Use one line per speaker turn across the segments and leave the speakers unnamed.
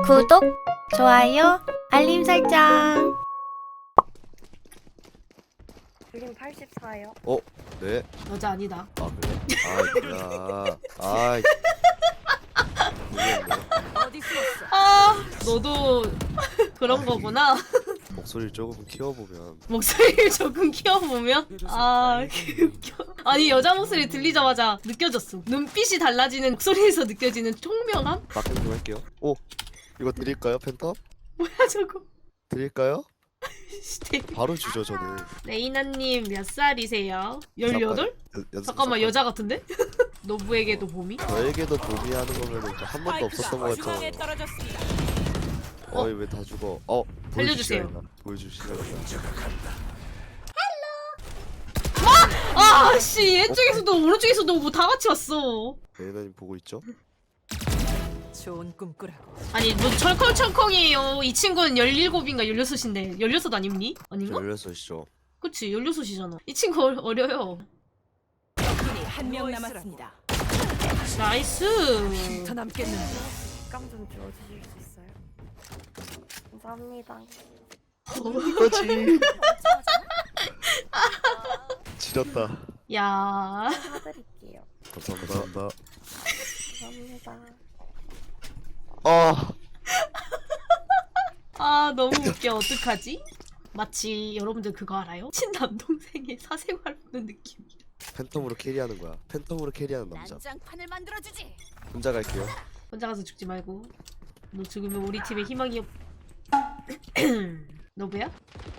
구독, 좋아요, 알림 설정.
그림 84요.
네.
여자 아니다.
아 그래? 아, 모르겠네.
어디 숨었어?
아, 너도 그런 거구나.
목소리를 조금 키워보면
목소리를 조금 키워보면 아, 웃겨. 아니 여자 목소리 들리자마자 느껴졌어. 눈빛이 달라지는 목소리에서 느껴지는 총명함?
막행 좀 할게요. 오, 이거 드릴까요, 팬텀?
뭐야 저거?
드릴까요?
시대.
바로 주죠 저는.
레이나님 몇 살이세요? 18? 잠깐만 여자 같은데? 노부에게도 봄이?
저에게도 도미하는 거면은 한 번도 없었던 거
중앙에
같잖아요.
떨어졌습니다.
어이 왜 다 죽어?
살려주세요.
보여주시라니까.
아, 씨, 왼쪽에서도 오른쪽에서도 뭐 다 같이 왔어.
레이나님 보고 있죠?
좋은 꿈 꾸라고.
아니 뭐 철컹철컹이에요. 이 친구는 17인가 16인데 16 아닙니? 아닌가?
열렸으시죠?
그치 16이잖아. 이 친구 어려요.
적군이 한 명 남았습니다.
나이스.
더 남겠는데.
감 좀 주워주실 수 있어요? 감사합니다.
이거지. 지렸다.
야.
사드릴게요.
감사합니다.
감사합니다.
아 너무 웃겨. 어떡하지? 마치 여러분들 그거 알아요? 친남동생의 사생활 보는 느낌이야.
팬텀으로 캐리하는 거야. 팬텀으로 캐리하는 남자.
난장판을 만들어주지.
혼자 갈게요.
혼자 가서 죽지 말고. 너 죽으면 우리 팀의 희망이 없... 너브야?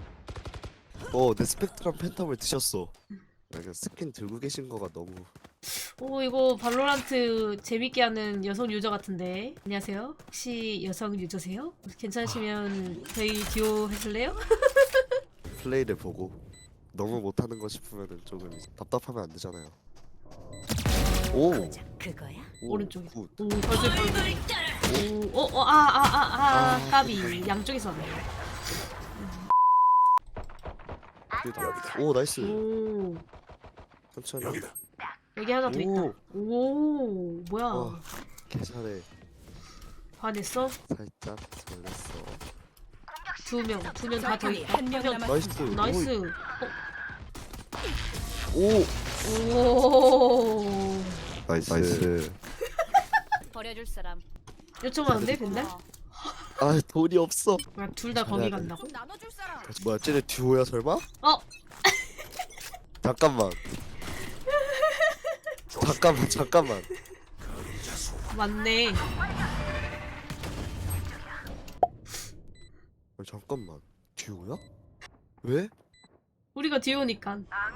내 스펙트럼 팬텀을 드셨어. 약간 스킨 들고 계신 거가 너무.
오 이거 발로란트 재밌게 하는 여성 유저 같은데. 안녕하세요. 혹시 여성 유저세요? 괜찮으시면 저희 듀오 하실래요?
플레이를 보고 너무 못하는 거 싶으면은 조금 답답하면 안 되잖아요. 오,
그거야?
오,
오른쪽에.
굿.
오 벌써 까비 양쪽에서 왔네.
오, 나이스.
오
천천히.
여기 하나 더 있다. 오 뭐야?
계산에
반했어?
살짝 잘렸어.
두 명 다 더
적군이
있다.
한 명
명.
남았습니다.
나이스.
나이스.
오,
오
나이스.
버려줄 사람.
요청하는데 근데?
아, 돈이 없어.
둘 다 거기
잘해야 돼.
간다고?
좀 나눠줄 사람.
뭐야, 쟤네 듀오야 설마?
어
잠깐만. 잠깐만.
맞네.
잠깐만. 듀오야? 왜?
우리가 듀오니까.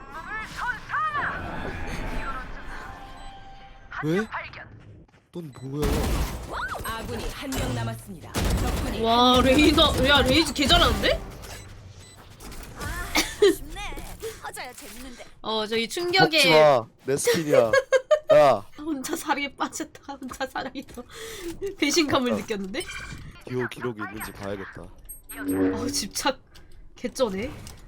왜? 넌 뭐야?
아군이 한 명 남았습니다. 적군이
와 레이저 야 레이즈 개 잘하는데?
쉽네. 허자야 재밌는데.
저희
먹지
충격에
마. 내 스킨이야. 야,
혼자 사랑에 빠졌다. 혼자 사랑에서 배신감을 느꼈는데?
듀오 기록이 있는지 봐야겠다.
집착 개쩌네.